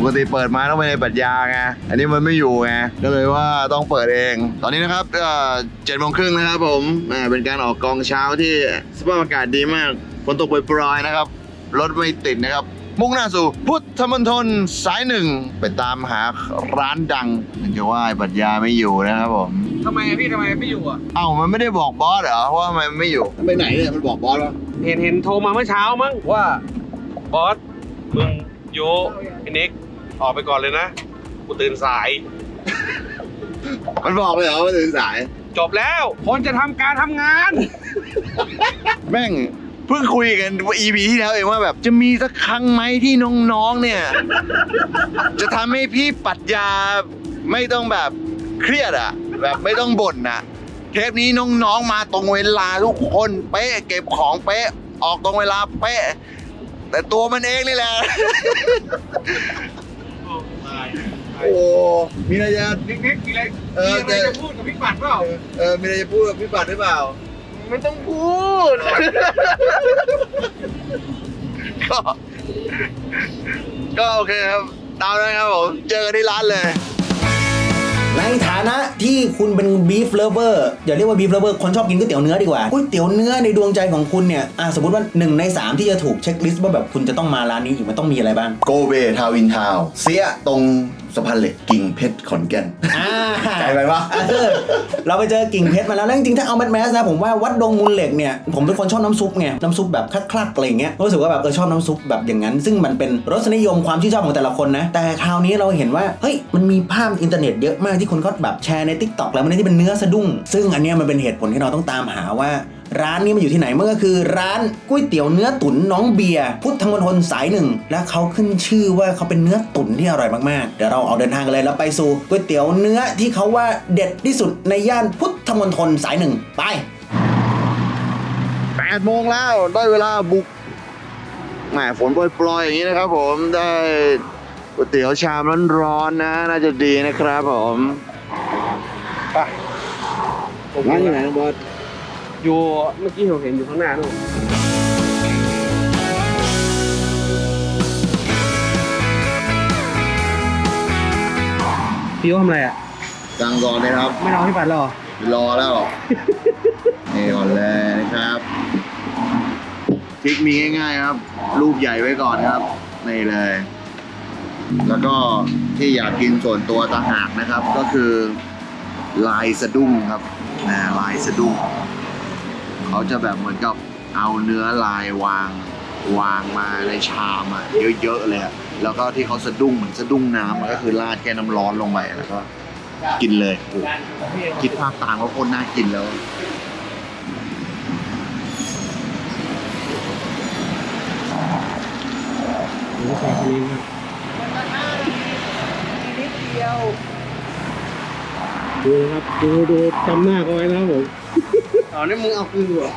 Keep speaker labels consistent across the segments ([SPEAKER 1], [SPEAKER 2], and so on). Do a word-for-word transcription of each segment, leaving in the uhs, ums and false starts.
[SPEAKER 1] กติเปิดมาต้องไปในปรัชญาไงอันนี้มันไม่อยู่ไงก็เลยว่าต้องเปิดเองตอนนี้นะครับเจ็ดโมงครึ่งนะครับผมเป็นการออกกองเช้าที่สภาพอากาศดีมากฝนตกโปรยๆนะครับรถไม่ติดนะครับมุ่งหน้าสู่พุทธมณฑลสายหนึ่งไปตามหาร้านดังมันจะว่าปรัชญาไม่อยู่นะครับผม
[SPEAKER 2] ทำไมพี่ทำไมไม่อยู่อ่ะ
[SPEAKER 1] เอ้ามันไม่ได้บอกบอสเหรอว่าทำไมมันไม่อยู่ไปไหนเนี่ยมันบอกบอสวะ
[SPEAKER 2] เห็นเห็นโทรมาเมื่อเช้ามั้งว่าบอสมึงโยไอ้นิกออกไปก่อนเลยนะกูตื่นสาย
[SPEAKER 1] มันบอกเลยเหรอว่าตื่นสาย
[SPEAKER 2] จบแล้วคนจะทำการทำงาน
[SPEAKER 1] แม่งเพิ่งคุยกันว่า อี พี ที่แล้วเองว่าแบบจะมีสักครั้งไหมที่น้องๆเนี่ยจะทำให้พี่ปรัชญาไม่ต้องแบบเครียดอะแบบไม่ต้องบ่นอะเทปนี้น้องๆมาตรงเวลาทุกคนเป๊ะเก็บของเป๊ะออกตรงเวลาเป๊ะแต่ตัวมันเองนี่แหละโอ้มีอะไรจะ
[SPEAKER 2] นิกๆมีอะไรมีอะไรจะพูดกับพี่ปัดเปล่า
[SPEAKER 1] เออมีอะไรจะพูดกับพี่ปัดหรือเปล่า
[SPEAKER 2] ไม่ต้องพูด
[SPEAKER 1] ก็ก็โอเคครับตามนั้นครับผมเจอกันที่ร้านเลย
[SPEAKER 3] ในฐานะที่คุณเป็นบีฟเลฟเวอร์อย่าเรียกว่าบีฟเลฟเวอร์คนชอบกินก๋วยเตี๋ยวเนื้อดีกว่าก๋วยเตี๋ยวเนื้อในดวงใจของคุณเนี่ยอ่ะสมมติว่าหนึ่งในสามที่จะถูกเช็คลิสต์ว่าแบบคุณจะต้องมาร้านนี้อีกมันต้องมีอะไรบ้าง
[SPEAKER 1] โกเบทาวินทาวเสียตรงสะพานเหล็กกิ่งเพชรขอนแก่น
[SPEAKER 3] อ่า
[SPEAKER 1] ไกลไปปะ
[SPEAKER 3] เราไปเจอกิ่งเพชรมาแล้วแล้วจริงๆถ้าเอาแมสแมสนะผมว่าวัดดงมูลเหล็กเนี่ยผมเป็นคนชอบน้ำซุปไงน้ำซุปแบบคลักๆอะไรเงี้ยรู้สึกว่าแบบเออชอบน้ำซุปแบบอย่างนั้นซึ่งมันเป็นรสนิยมความชื่นชอบของแต่ละคนนะแต่คราวนี้เราเห็นว่าเฮ้ยมันมีภาพอินเทอร์เน็ตเยอะมากที่คนก็แบบแชร์ใน TikTok แล้วมันที่เป็นเนื้อสะดุ้งซึ่งอันนี้มันเป็นเหตุผลที่เราต้องตามหาว่าร้านนี้มันอยู่ที่ไหนมันก็คือร้านก๋วยเตี๋ยวเนื้อตุ๋นน้องเบียร์พุทธมณฑลสายหนึ่งและเขาขึ้นชื่อว่าเขาเป็นเนื้อตุ๋นที่อร่อยมากๆเดี๋ยวเราเอาเดินทางกันเลยแล้วไปสู่ก๋วยเตี๋ยวเนื้อที่เขาว่าเด็ดที่สุดในย่านพุทธมณฑลสายหนึ่งไป
[SPEAKER 1] แปดโมงแล้วได้เวลาบุกแหมฝนโปรยๆอย่างนี้นะครับผมได้ก๋วยเตี๋ยวชามร้อนๆนะน่าจะดีนะครับผมไปร้านอยู่ไหนน้องบอส
[SPEAKER 2] อยู่เมื่อกี้ผมเห็นอยู่ข้างหน้านู่นพี่ทำอะไรอ่ะ
[SPEAKER 1] สั่งก่อนเลยครับ
[SPEAKER 2] ไม่รอพี่ปัดหรอ
[SPEAKER 1] รอแล้วนี่ก่อนเลยนะครับทริคมีง่ายๆครับรูปใหญ่ไว้ก่อนครับนี่เลยแล้วก็ที่อยากกินส่วนตัวต่างหากนะครับก็คือลายสะดุ้งครับนะลายสะดุ้งเขาจะแบบเหมือนกับเอาเนื้อลายวางวางมาในชามอ่ะเยอะๆเลยแล้วก็ที่เขาสะดุ้งเหมือนสะดุ้งน้ำก็คือราดแค่น้ำร้อนลงไปแล้วก็กินเลยคิดภาพตามว่าโคตรน่ากินแล้ว
[SPEAKER 2] ดูใส่คนนี้ดูครับดูดูจำหน้าเขาไว้นะครับผมอ๋อนี่มึงเอาคืนเหรอ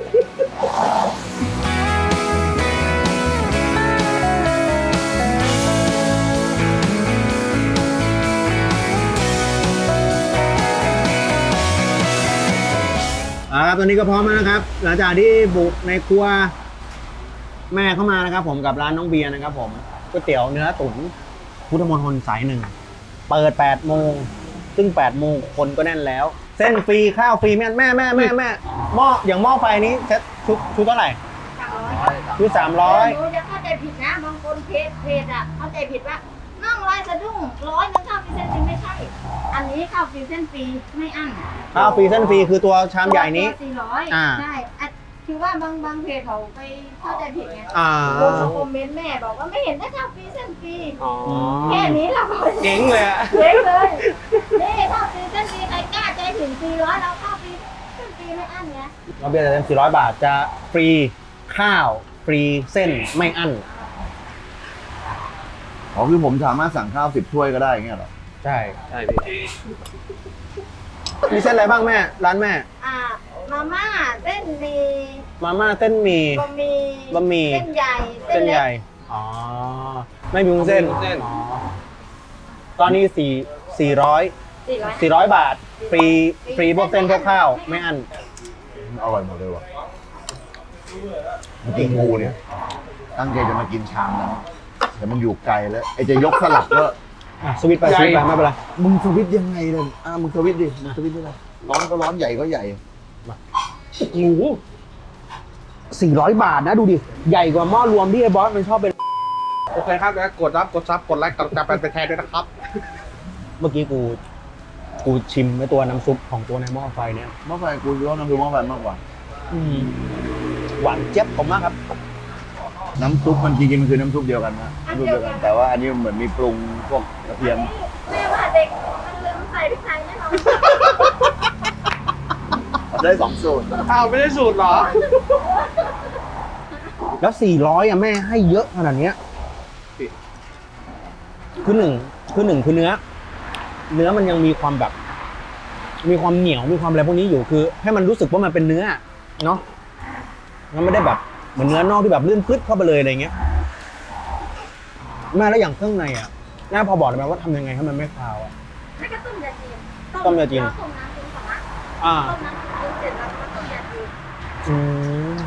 [SPEAKER 2] อ่าครับตอนนี้ก็พร้อมแล้วนะครับหลังจากที่บุกในครัวแม่เข้ามานะครับผมกับร้านน้องเบียร์นะครับผมก๋วยเตี๋ยวเนื้อตุ๋นพุทธมณฑลสายหนึ่งเปิดแปดโมงซึ่งแปดโมงคนก็แน่นแล้วเส้นฟรีข้าวฟรีแม่แม่แม่แม่แม่หม้ออย่างหม้อไฟนี้เซ็ตชุดชุดเท่าไหร่ชุดสามร้อย
[SPEAKER 4] หนูจะเข้าใจผิดนะบางคนเพจเพจอ่ะเข้าใจผิดว่าน่องลายสะดุ้งร้อยนึงข้าวฟรีเส้นฟรีไม่ใช่อันนี้ข้าวฟรีเส้นฟรีไม่อั้น
[SPEAKER 3] ข้าวฟรีเส้นฟรีคือตัวชามใหญ่นี้
[SPEAKER 4] สี่ร้อยใช่คือว่าบางบางเพจเขาไปเข้าใจผิดไงลงคอมเมนต์แม่บอกว่าไม่เห็นได้ข้าวฟรีเส้นฟรีแค่นี้เรา
[SPEAKER 2] เจ๋งเลยอะ
[SPEAKER 4] เจ๋งเลยนี่ข้าวฟรีเส้นฟรีใครกล้าใจถึงสี่ร้อยเราข้าวฟรีเส้นฟรีไม่อั้นไง
[SPEAKER 3] เราเบียร์จะเต็มสี่ร้อยบาทจะฟรีข้าวฟรีเส้นไม่อั้น
[SPEAKER 1] อ๋อคือผมสามารถสั่งข้าวสิบถ้วยก็ได้เงี้ยหรอ
[SPEAKER 3] ใช่
[SPEAKER 2] ใช่พี่
[SPEAKER 3] มีเส้นอะไรบ้างแม่ร้านแม่
[SPEAKER 4] อ่ามาม่าเส้นหมี่
[SPEAKER 3] มาม่าเส้นหมี่
[SPEAKER 4] บะหมี่
[SPEAKER 3] บะหมี่
[SPEAKER 4] เส้นใหญ่
[SPEAKER 3] เส้นใหญ่อ๋อไม่มีวุ้นเส้นอ๋อตอนนี้สี่สี่ร้อยสี่ร้อยบาทฟรีฟรีพวกเส้นพวกข้าวไม่อั้น
[SPEAKER 1] อร่อยหมดเลยว่ะจริงงูเนี่ยตั้งใจจะมากินชามแล้วแต่มันอยู่ไกลแล้วไอ้จะยกสลับก็
[SPEAKER 2] อ่ะสวิตช์ไปสวิตช์ไปไม่เป็นไร
[SPEAKER 1] มึงสวิตช์ยังไงเลยอ่ะมึงสวิตช์ดิมึงสวิตช์ได้เลยร้อนก็ร้อนใหญ่ก็ใหญ่
[SPEAKER 2] โอ้โหสี่ร้อยบาทนะดูดิ ใหญ่กว่าหม้อรวมที่ไอ้บอสมันชอบเป็น
[SPEAKER 5] โอเคครับแล้วกดรับกดซับกดไลค์กดกระไปเป็นแทนด้วยนะครับ
[SPEAKER 2] เมื่อกี้กู กูชิมไอ้ตัวน้ำซุปของตัวในหม้อไฟเนี่ย
[SPEAKER 1] หม้อไฟกูชอบน้ำซุปหม้อไฟมากกว่า
[SPEAKER 2] อืมหวานเจี๊ยบผมมากครับ
[SPEAKER 1] น้ำซุปมันจริงๆมันคือน้ำซุปเดียวกันนะน้ำซุปเดียวกันแต่ว่าอันนี้มันเหมือนมีปรุงพวกกระเทียม
[SPEAKER 4] แม่ว่าเด็กมันลืมใส่พริกไทยแน่นอน
[SPEAKER 1] ได้สองสูตร
[SPEAKER 5] อ้าวไม่ได้สูตรเหรอ
[SPEAKER 2] แล้วสี่ร้อยอ่ะแม่ให้เยอะขนาดเนี้ยคือหนึ่งคือหนึ่งคือเนื้อ เนื้อมันยังมีความแบบ มีความเหนียวมีความอะไรพวกนี้อยู่คือ ให้มันรู้สึกว่ามันเป็นเนื้อเนาะมันไม่ได้แบบเหมือนเนื้อนอกที่แบบลื่นพลึดเข้าไปเลยอะไรเงี้ยแม่แล้วอย่างเครื่องในอ่ะแม่พอบอกได้ไหมว่าทำยังไงให้มันไม่คาวอ่ะ
[SPEAKER 4] ไม่ก็ต้มยาจีน
[SPEAKER 2] ต้มยาจีน
[SPEAKER 4] แล้วต้มน้ำจีนก่อนนะ
[SPEAKER 2] อ่า
[SPEAKER 4] ต้มน้ำจีนเสร็จแล้วก็ต้มยาจีน
[SPEAKER 2] อืม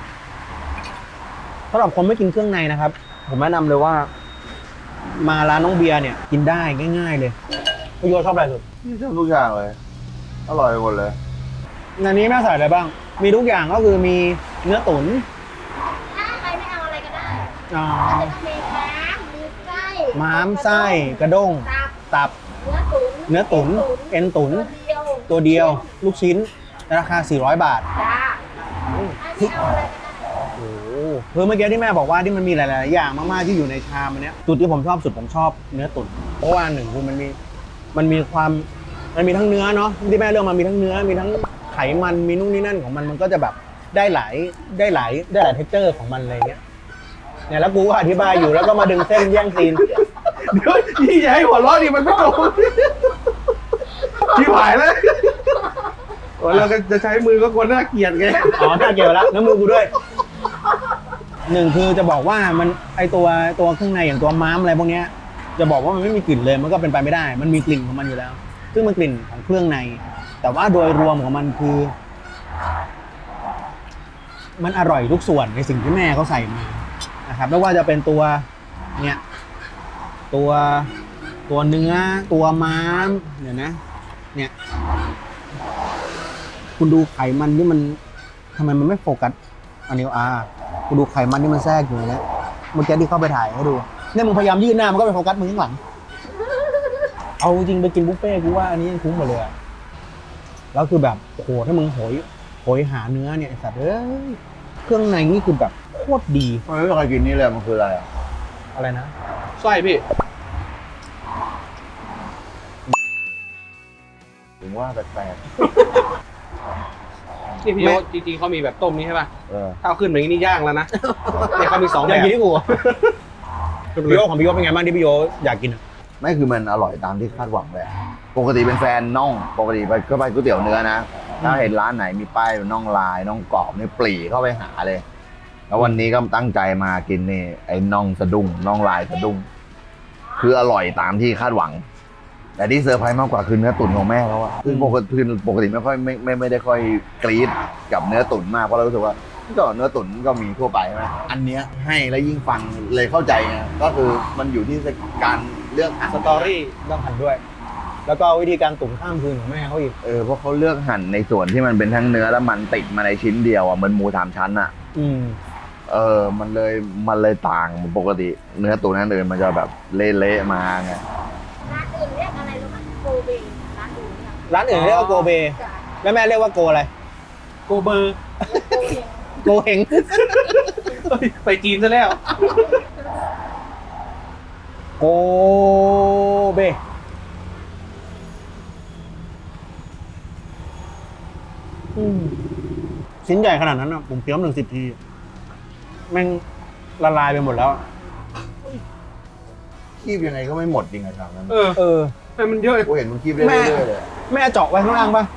[SPEAKER 2] สำหรับคนไม่กินเครื่องในนะครับ ผมแนะนำเลยว่า มาร้านน้องเบียร์เนี่ย กินได้ง่ายๆเลยพี่โยชอบอะไรสุด
[SPEAKER 1] นี่ชอบทุกอย่างเลยอร่อยหมดเลย
[SPEAKER 2] ในนี้แม่ใส่อะไรบ้าง มีทุกอย่างก็คือมีเนื้อตุ๋น
[SPEAKER 4] ถ้าใครไม่เอาอะไรก็ได้
[SPEAKER 2] อ่า
[SPEAKER 4] ก็จะต้องมีม้ามมีไส้
[SPEAKER 2] ม้ามไส้กระด้ง
[SPEAKER 4] ตับ
[SPEAKER 2] ตับ
[SPEAKER 4] เนื้อตุ๋น
[SPEAKER 2] เนื้อตุ๋นเอ็นตุ๋น
[SPEAKER 4] ตัวเดียว
[SPEAKER 2] ตัวเดียว ลูกชิ้น ราคา สี่ร้อยบาท
[SPEAKER 4] จ้าไม่เอาอะไรก็ได้
[SPEAKER 2] โอ้โหคือเมื่อกี้ที่แม่บอกว่าที่มันมีหลายๆอย่างมากๆที่อยู่ในชามอันเนี้ยจุดที่ผมชอบสุดผมชอบเนื้อตุ๋นเพราะว่าหนึ่งคือมันมีมันมีความมันมีทั้งเนื้อเนาะที่แม่เลือกมามีทั้งเนื้อมีทั้งไขมันมีนู่นนี่นั่นของมันมันก็จะแบบได้หลายได้หลายได้หลายเท็กเจอร์ของมันอะไรเงี้ยเนี่ยแล้วกูก็อธิบายอยู่แล้วก็มาดึงเส้นแย่งซีน
[SPEAKER 5] เดี๋ยวยี่อย่าให้หัวเราะดิมันไม่ตรงชิบหายเลยโอ้เราก็จะใช้มือก็ควรน่าเกลียดไง
[SPEAKER 2] อ๋อน่าเกี่ยวแล้วน้ำมือกูด้วยหนึ่งคือจะบอกว่ามันไอตัวตัวเครื่องในอย่างตัวม้ามอะไรพวกเนี้ยจะบอกว่ามันไม่มีกลิ่นเลยมันก็เป็นไปไม่ได้ มันมีกลิ่นของมันอยู่แล้ว ซึ่งมันกลิ่นของเครื่องใน แต่ว่าโดยรวมของมันคือ มันอร่อยทุกส่วนในสิ่งที่แม่เขาใส่มานะครับไม่ว่าจะเป็นตัวเนี่ยตัวตัวเนื้อตัวม้ามเนี่ยนะ เนี่ย คุณดูไขมันที่มันทำไมมันไม่โฟกัสอันนี้อ่าคุณดูไขมันที่มันแทรกอยู่ในนี้เมื่อกี้ที่เข้าไปถ่ายให้ดูเนี่ยมึงพยายามยื่นหน้ามันก็ไปโฟกัสมึงข้างหลังเอาจริงไปกินบุฟเฟ่ต์กูว่าอันนี้ยังคุ้มกว่าเลยอะแล้วคือแบบโอ้โหถ้ามึงโหยโหยหาเนื้อเนี่ยไอ้สัตว์เอ้ยเครื่องในนี่คือแบบโคตรดี
[SPEAKER 1] ทำไมไม่เคยกินนี่เลยมันคืออะไรอ่ะ
[SPEAKER 2] อะไรนะ
[SPEAKER 5] ไส้พี่
[SPEAKER 1] ถึงว่าแปลก
[SPEAKER 5] นี่พี่โยจริงๆเขามีแบบต้มนี้ใช่ป่ะ
[SPEAKER 1] ๆเออ
[SPEAKER 5] ถ้าเอาขึ้นแบบนี้นี่ย่างแล้วนะเนี่ยเขามีสอง
[SPEAKER 2] อ
[SPEAKER 5] แบ
[SPEAKER 2] ยาก
[SPEAKER 5] บ
[SPEAKER 2] กินที่กูพี่โยของพี่โยเป็นไงบ้างที่พี่โยอยากกินอะ
[SPEAKER 1] ไม่คือมันอร่อยตามที่คาดหวังเลยอะปกติเป็นแฟนน่องปกติไปก็ไปก๋วยเตี๋ยวเนื้อนะถ้าเห็นร้านไหนมีป้ายน่องลายน่องกรอบนี่ปรีเข้าไปหาเลย แล้ววันนี้ก็ตั้งใจมากินนี่ไอ้น่องสะดุ้งน่องลายสะดุ้งคืออร่อยตามที่คาดหวัง แต่ที่เซอร์ไพรส์มากกว่าคือเนื้อตุ๋นของแม่เขาอะซึ่งปกติคือปกติไม่ค่อยไม่ไม่ไม่ได้ค่อยกรี๊ดกับเนื้อตุ๋นมากเพราะเรารู้สึกว่าก็เนื้อตุ๋นก็มีทั่วไปใช่ไหมอันเนี้ยให้แล้วยิ่งฟังเลยเข้าใจไงก็คือมันอยู่ที่การเลือกหั่น
[SPEAKER 2] สตอรี่ต้องหั่นด้วย แล้วก็วิธีการตุ๋นข้ามคืนของแม่เขาอีก
[SPEAKER 1] เออเพราะเขาเลือกหั่นในส่วนที่มันเป็นทั้งเนื้อและมันติดมาในชิ้นเดียวอ่ะเหมือนหมูสามชั้นอ่ะ
[SPEAKER 2] อืม
[SPEAKER 1] เออมันเลยมันเลยต่างปกติเนื้อตุ๋นนั่นเลยมันจะแบบเละๆมาไง
[SPEAKER 4] ร้านอื่นเรียกอะไรรู้ไหมโกเบร้านอื่นเนี่ย
[SPEAKER 2] ร้านอื่นเรียกว่าโกเบ
[SPEAKER 4] จ้ะ
[SPEAKER 2] แล้วแม่เรียกว่าโกอะไร
[SPEAKER 5] โกเบอร์
[SPEAKER 2] โกเฮง
[SPEAKER 5] เฮ้ยไปจีนซะแล้ว
[SPEAKER 2] โกเบอืมชิ้นใหญ่ขนาดนั้นอ่ะผมเคี้ยวหนึ่งสิบทีแม่งละลายไปหมดแล้ว
[SPEAKER 1] คีบยังไงก็ไม่หมดจริงอะครับนั้น
[SPEAKER 5] เออ
[SPEAKER 2] เออ
[SPEAKER 5] ทำไมมันเยอะ
[SPEAKER 1] กูเห็นมันคีบเรื่อยๆเลย
[SPEAKER 2] แม่เจาะไว้ข้างล่างปะ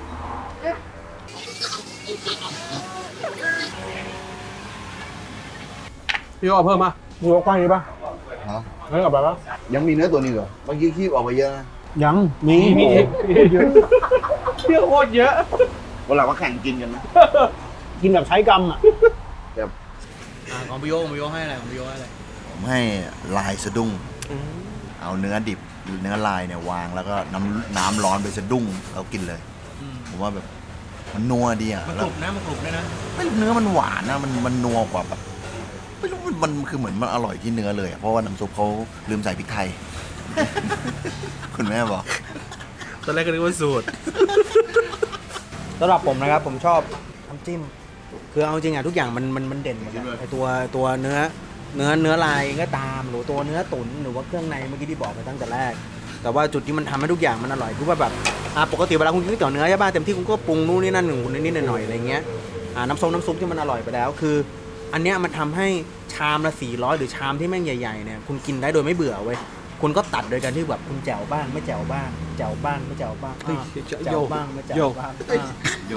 [SPEAKER 5] พี่โยเอาเพิ่มมา
[SPEAKER 2] มีว่าก้อนนี้ปะ
[SPEAKER 1] ฮะ
[SPEAKER 2] เฮ้ยกลับไปปะ
[SPEAKER 1] ยังมีเนื้อตัวนี้เหรอเมื่อกี้คีบออกมาเยอะนะ
[SPEAKER 2] ยังมี
[SPEAKER 5] มี
[SPEAKER 2] โอ้
[SPEAKER 5] มี
[SPEAKER 2] โหเยอะ
[SPEAKER 5] เยอะโคตรเยอะ
[SPEAKER 1] วันหลังมาแข่งกินกันนะ
[SPEAKER 2] กินแบบใช้กรรมอ่ะ
[SPEAKER 1] แบบ
[SPEAKER 2] ของพี่โยของพี่โยให้อะไรของพี่โยให้อะไร
[SPEAKER 1] ผมให้ลายสะดุ้งเอาเนื้อดิบเนื้อลายเนี่ยวางแล้วก็น้ำน้ำร้อนไปสะดุ้งแล้วกินเลยผมว่าแบบมันนัวดีอ่ะ
[SPEAKER 3] มัน
[SPEAKER 1] แล้
[SPEAKER 3] ก
[SPEAKER 1] ว
[SPEAKER 3] รุบนะมันกรุบด้วยนะ
[SPEAKER 1] ไม่เนื้อมันหวานนะมันมันนัวกว่าแบบไม่รู้มันมันคือเหมือนมันอร่อยที่เนื้อเลยอะเพราะว่าน้ำซุปเขาลืมใส่พริกไทย คุณแม่บอก
[SPEAKER 5] ตอนแรกก็นึกว่าสูตร
[SPEAKER 2] สำหรับผมนะครับผมชอบน้ำจิ้มคือเอาจริงอ่ะทุกอย่างมันมันมันเด่นหมดเลยไอตัวตัวเนื้อเนื้อเนื้อลายก็ตามหรือตัวเนื้อตุ๋นหรือว่าเครื่องในเมื่อกี้ที่บอกไปตั้งแต่แรก แต่ว่าจุดที่มันทำให้ทุกอย่างมันอร่อยคือว่าแบบอ่าปกติเวลาคุณกินก๋วยเตี๋ยวเนื้อใช่ป่ะเต็มที่คุณก็ปรุงนู่นนี่นั่นหนึ่งคุณนิดๆหน่อยๆอะไรเงี้ยอ่าน้ำส้มน้ำซุปที่มันอร่อยไปแล้วคือ อันเนี้ยมันทำให้ชามละสี่ร้อยหรือชามที่แม่งใหญ่ๆเนี่ยคุณกินได้โดยไม่เบื่อเว้ยคุณก็ตัดโดยการที่แบบคุณแจ่วบ้างไม่แจ่วบ้างแจ่วบ้างไม่แจ่วบ้างอ่าแจ่วบ้างไม่แจ่วบ้างอ่า
[SPEAKER 1] โย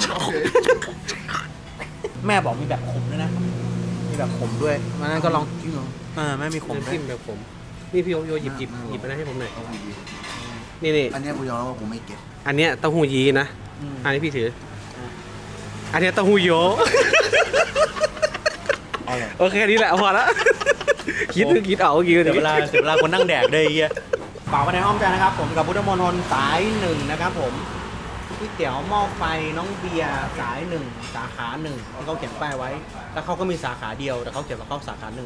[SPEAKER 2] แม่บอกมีแบบขมด้วยนะ มีแบบขมด้วยวันนั้นก็ลองอ่าแม่มีขม
[SPEAKER 5] น้ำ
[SPEAKER 2] ด้ว
[SPEAKER 5] จิ้
[SPEAKER 2] ย
[SPEAKER 5] มแบบผมนี่พี่โยโยหยิบหยิบหยิบไปนะให้ผมหน่อยนี่นี่
[SPEAKER 1] อันเนี้ยกูยอมรับว่าผมไม่เก็ต
[SPEAKER 5] อันเนี้ยเต้าหู้ยี้นะ
[SPEAKER 2] อืม
[SPEAKER 5] อันนี้พี่ถืออันเนี้ยเต้าหู้โย
[SPEAKER 2] เอาเลย
[SPEAKER 5] โอเคนี่แหละพอละคิดคิดเอาคิด
[SPEAKER 2] เดี๋ยวเวลาเดี๋ยวเวลาคนนั่งแดกเลยไอ้เฮียฝากไว้ในอ้อมใจนะครับ ผมกับพุทธมณฑลสายหนึ่งนะครับผมก๋วยเตี๋ยวหม้อไฟน้องเบียร์สายหนึ่งสาขาหนึ่งที่เขาเขียนป้ายไว้ แล้วเขาก็มีสาขาเดียวแต่เขาเขียนว่าเขาสาขาหนึ่ง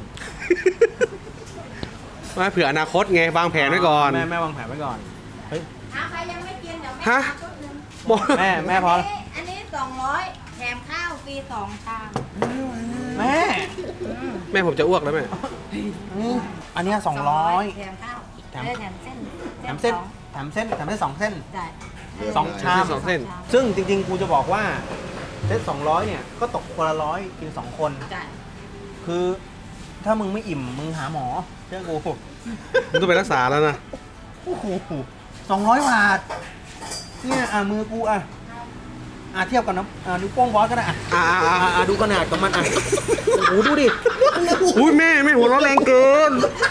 [SPEAKER 5] มาเผื่ออนาคตไงวางแผนไว้ก่อน
[SPEAKER 2] แม่แม่วางแผนไว้ก่อนเฮ้ย
[SPEAKER 4] ถ้าใครยังไม่กินเดี๋ยวแม่
[SPEAKER 5] ฮะ
[SPEAKER 4] เอาชุดหนึ่ง
[SPEAKER 5] บอก
[SPEAKER 2] แม่แม่พอแล้ว
[SPEAKER 4] อันนี้สองร้อยแถมข้าวฟรีสองชาม
[SPEAKER 2] แม่
[SPEAKER 5] แม่ผมจะอ้วกแล้วแม่
[SPEAKER 2] อันเนี้สองร้อย
[SPEAKER 4] แถมข้าว
[SPEAKER 2] แถม
[SPEAKER 4] เออแถมเส้น
[SPEAKER 2] แถมเส้น
[SPEAKER 4] สอง
[SPEAKER 2] แถมเส้นแถมเส้นสองเส้น
[SPEAKER 4] ใช่
[SPEAKER 2] สองชาม
[SPEAKER 5] สองเส้น
[SPEAKER 2] ซึ่งจริงๆ กูจะบอกว่าเซตสองร้อยเนี่ย ก็ตกคนละร้อยกินสองคน
[SPEAKER 4] ใช่
[SPEAKER 2] คือถ้ามึงไม่อิ่ม มึงหาหมอเชื่อกู
[SPEAKER 5] ผมต้องไปรักษาแล้วนะ
[SPEAKER 2] โอ้โหสองร้อยบาท เนี่ย อ่ะ มือกูอ่ะ อ่ะ เทียบกับน้ำอ่ะนิ้วโป้งบอสก็ได้อ่ะ
[SPEAKER 5] อ่าอ่า
[SPEAKER 2] อ่ะอ่ะดูขนาดของมันอ่ะ โอ้โห ดูดิ
[SPEAKER 5] อุ้ยแม่แม่หัวเราะแรงเกิน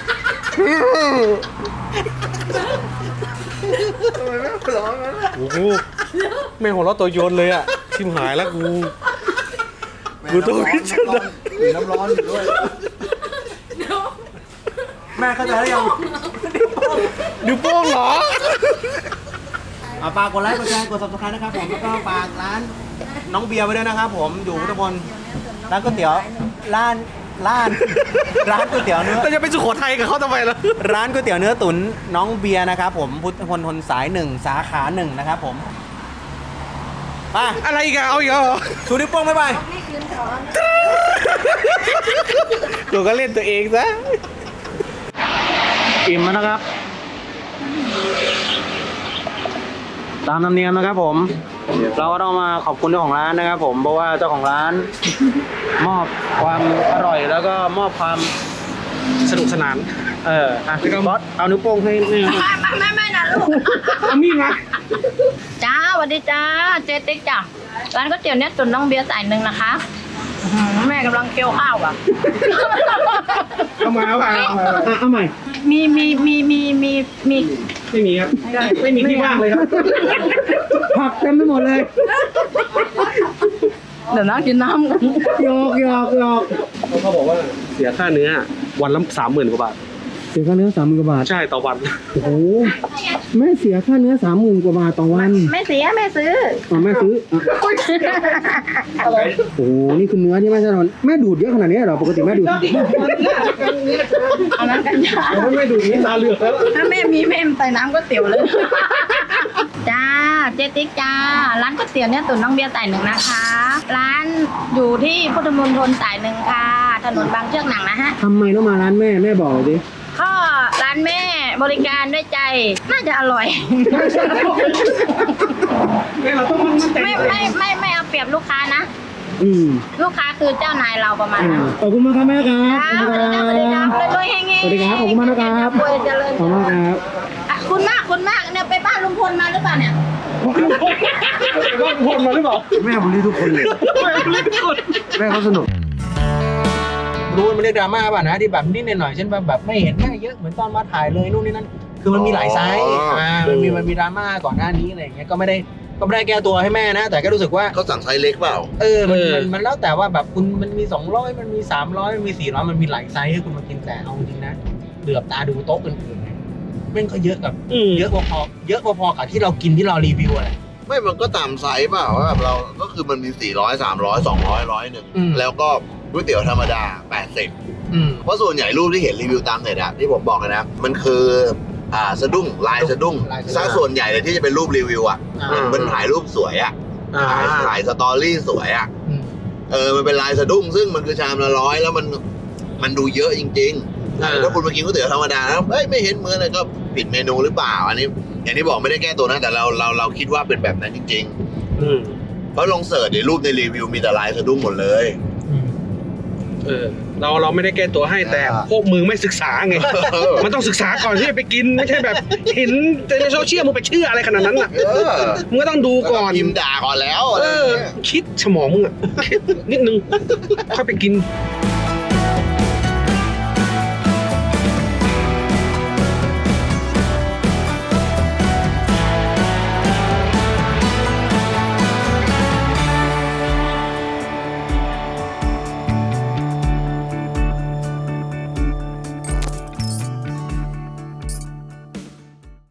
[SPEAKER 5] โอ้โหแม่หัวเราะตัวโยนเลยอ่ะชิมหายแล้วกู กูต้องพิจารณา
[SPEAKER 1] น้ำร้อนอยู่ด้วย
[SPEAKER 2] แม่เข้าใจแล้วยัง
[SPEAKER 5] นิ้วโป้งเหรอ
[SPEAKER 2] อ่ะฝากกดไลค์ กดแชร์ กด ซับสไครบ์ นะครับผม แล้วก็ฝากร้านน้องเบียร์ไว้ด้วยนะครับผม อยู่พุทธมณฑลร้านก๋วยเตี๋ยว ร้าน ร้าน ร้านก๋วยเตี๋ยวเนื้อ
[SPEAKER 5] เราจะไปสุโขทัยกับเขาทำไมล่ะ
[SPEAKER 2] ร้านก๋วยเตี๋ยวเนื้อตุ๋นน้องเบียร์นะครับผมพุทธมณฑลสายหนึ่งสาขาหนึ่งนะครับผมมา
[SPEAKER 5] อะไรอีกอะเอาอีกเหรอ
[SPEAKER 2] ชูนิ้วโป้งบ๊ายบาย
[SPEAKER 4] นี่คืนถอน
[SPEAKER 5] ตัวก็เล่นตัวเองซะ
[SPEAKER 2] อิ่มแล้วนะครับ ตามธรรมเนียมนะครับผม เราก็ต้องมาขอบคุณเจ้าของร้านนะครับผมเพราะว่าเจ้าของร้าน มอบความอร่อยแล้วก็มอบความ
[SPEAKER 5] สนุกสนาน
[SPEAKER 2] เอออ่ะบอสเอานิ้วโป้งให้นี่
[SPEAKER 4] ไม่ไม่ไม่ไม่นะลูก
[SPEAKER 5] เอามีดมา
[SPEAKER 4] จ้าสวัสดีจ้า เจ๊ติ๊กจ้ะร้านก๋วยเตี๋ยวเนี่ยตุ๋นน้องเบียร์สายหนึ่งนะคะอื้อหือแม่กำลังเคี่ยวข้าวอ่ะ
[SPEAKER 5] เอามาเอามาเอามา
[SPEAKER 2] อ่ะเอาใหม่
[SPEAKER 4] มีมีมีมีมีมี
[SPEAKER 5] ไม่มีครับ ไม่มีที่ว่างเลยครับ
[SPEAKER 2] ผักเต็มไปหมดเลย
[SPEAKER 4] เดี๋ยวนั่งกินน้ำกัน
[SPEAKER 2] หยอกหยอกหยอก
[SPEAKER 5] เขาบอกว่าเสียค่าเนื้อวันละสามหมื่นกว่าบาท
[SPEAKER 2] เสียค่าเนื้อสามหมื่นกว่าบาท
[SPEAKER 5] ใช่ต่อวัน
[SPEAKER 2] โอ้โหแม่เสียค่าเนื้อสามหมื่นกว่าบาทต่อวัน
[SPEAKER 4] ไม่เสียไม่ซื้อ
[SPEAKER 2] อ๋อแม่ซื้ออ่ะโอ้โหนี่คือเนื้อที่แม่จะทำแม่ดูดเยอะขนาดนี้เหรอปกติแม่ดูด
[SPEAKER 4] เอาน้ำกันจ้า
[SPEAKER 5] ไม่ดูนี่ตาเหลือกแล้ว
[SPEAKER 4] ถ้าแม่มีแม่ใส่น้ำก๋วยเตี๋ยวเลย จ้าเจ๊ติ๊กจ้า ร้านก๋วยเตี๋ยวเนี่ยตุ๋นน้องเบียร์สายหนึ่งนะคะ ร้านอยู่ที่พุทธมณฑลสายหนึ่งค่ะ ถนนบางเชือกหนังนะฮะ
[SPEAKER 2] ทำไมต้องมาร้านแม่แม่บอกสิ
[SPEAKER 4] ก็ร้านแม่บริการด้วยใจ น่าจะอร่อย
[SPEAKER 5] เราต้องมั่นใจ
[SPEAKER 4] ไม่ไม่ไม่ไม่เอาเปรียบลูกค้านะ
[SPEAKER 2] อืม
[SPEAKER 4] ลูกค้าคือเจ้านายเราประมาณ
[SPEAKER 2] อ่า
[SPEAKER 4] นั้น
[SPEAKER 2] ขอบคุณมากครับแม่ครับ
[SPEAKER 4] จ้าสวัสดีครับสวัสดีครับรวยๆเฮงๆ
[SPEAKER 2] สวัสดีครับขอบคุณมากนะครับ
[SPEAKER 4] รวยเจริญ
[SPEAKER 2] ขอบคุณมากครับ
[SPEAKER 4] อ่ะคุณมากคุณมากเนี่ยไปบ้านลุงพลมาหรือเปล่าเนี่ย
[SPEAKER 5] ว่าพลมาหรือเปล่า
[SPEAKER 1] แม่ผมรีทุกคนเลย แม่เขาสนุก
[SPEAKER 2] รู้มันเรียกดราม่าป่ะนะที่แบบนิดหน่อยเช่นแบบแบบไม่เห็นแม่เยอะเหมือนตอนมาถ่ายเลยนู่นนี่นั่นคือมันมีหลายไซส์อ่ามันมีมันมีดราม่าก่อนหน้านี้อะไรอย่างเงี้ยก็ไม่ได้ก็ไม่ได้แก้ตัวให้แม่นะ แต่ก็รู้สึกว่า
[SPEAKER 1] เขาสั่งไซส์เล็กเปล่า
[SPEAKER 2] เออมัน
[SPEAKER 5] เออ
[SPEAKER 2] มันมันแล้วแต่ว่าแบบคุณมันมีสองร้อยมันมีสามร้อยมันมีสี่ร้อยมันมีหลายไซส์ให้คุณมากินแต่เอาจริงนะเหลือบตาดูโต๊ะอื่นๆเนี่ยแม่งก็เยอะกับ
[SPEAKER 5] อืม
[SPEAKER 2] เยอะพอๆเยอะพอๆกับที่เรากินที่เรารีวิวอะไร
[SPEAKER 1] ไม่มันก็ตามไซส์เปล่าว่าแบบเราก็คือมันมีสี่ร้อยสามร้อยสองร้อยร้อยหนึ่ง
[SPEAKER 2] อืม
[SPEAKER 1] แล้วก็ก๋วยเตี๋ยวธรรมดาแปดสิบ
[SPEAKER 2] อืม
[SPEAKER 1] เพราะส่วนใหญ่รูปที่เห็นรีวิวตามเน็ตอะที่ผมบอกเลยนะ มันคืออ่าสะดุ้งลายสะดุ้ง
[SPEAKER 2] ลายสะดุ้ง
[SPEAKER 1] ซะส่วนใหญ่เลยที่จะเป็นรูปรีวิวอะ
[SPEAKER 2] อ่า
[SPEAKER 1] มันถ่ายรูปสวยอะ
[SPEAKER 5] อ่า
[SPEAKER 1] ถ่ายถ่ายสตอรี่สวยอะ
[SPEAKER 2] อืม
[SPEAKER 1] เออมันเป็นลายสะดุ้งซึ่งมันคือชามละร้อยแล้วมันมันดูเยอะจริงๆ
[SPEAKER 5] อ่า
[SPEAKER 1] ถ้าคุณมากินก๋วยเตี๋ยวธรรมดาแล้วเฮ้ยไม่เห็นเหมือนเลยก็ผิดเมนูหรือเปล่าอันนี้อย่างที่บอกไม่ได้แก้ตัวนะแต่เราเราเราคิดว่าเป็นแบบนั้นจริง
[SPEAKER 5] อืม
[SPEAKER 1] ๆ เพราะลองเสิร์ชในรูปในรีวิวมีแต่ลายสะดุ้งหมดเลย
[SPEAKER 2] อืม
[SPEAKER 5] เออเราเราไม่ได้แก้ตัวให้แต่
[SPEAKER 1] อ่า
[SPEAKER 5] พวกมึงไม่ศึกษาไง มันต้องศึกษาก่อนที่จะไปกินไม่ใช่แบบ เห็นในโซเชียลมึงไปเชื่ออะไรขนาดนั้นอ่ะ
[SPEAKER 1] เออ
[SPEAKER 5] มึงก็ต้องดูก่อน
[SPEAKER 1] พิมพ์ด่าก่อนแล้ว
[SPEAKER 5] เออ
[SPEAKER 1] อะไรอย่างเงี้ย
[SPEAKER 5] คิดสมองมึงอ่ะคิดนิดนึงค่อยไปกิน
[SPEAKER 1] เ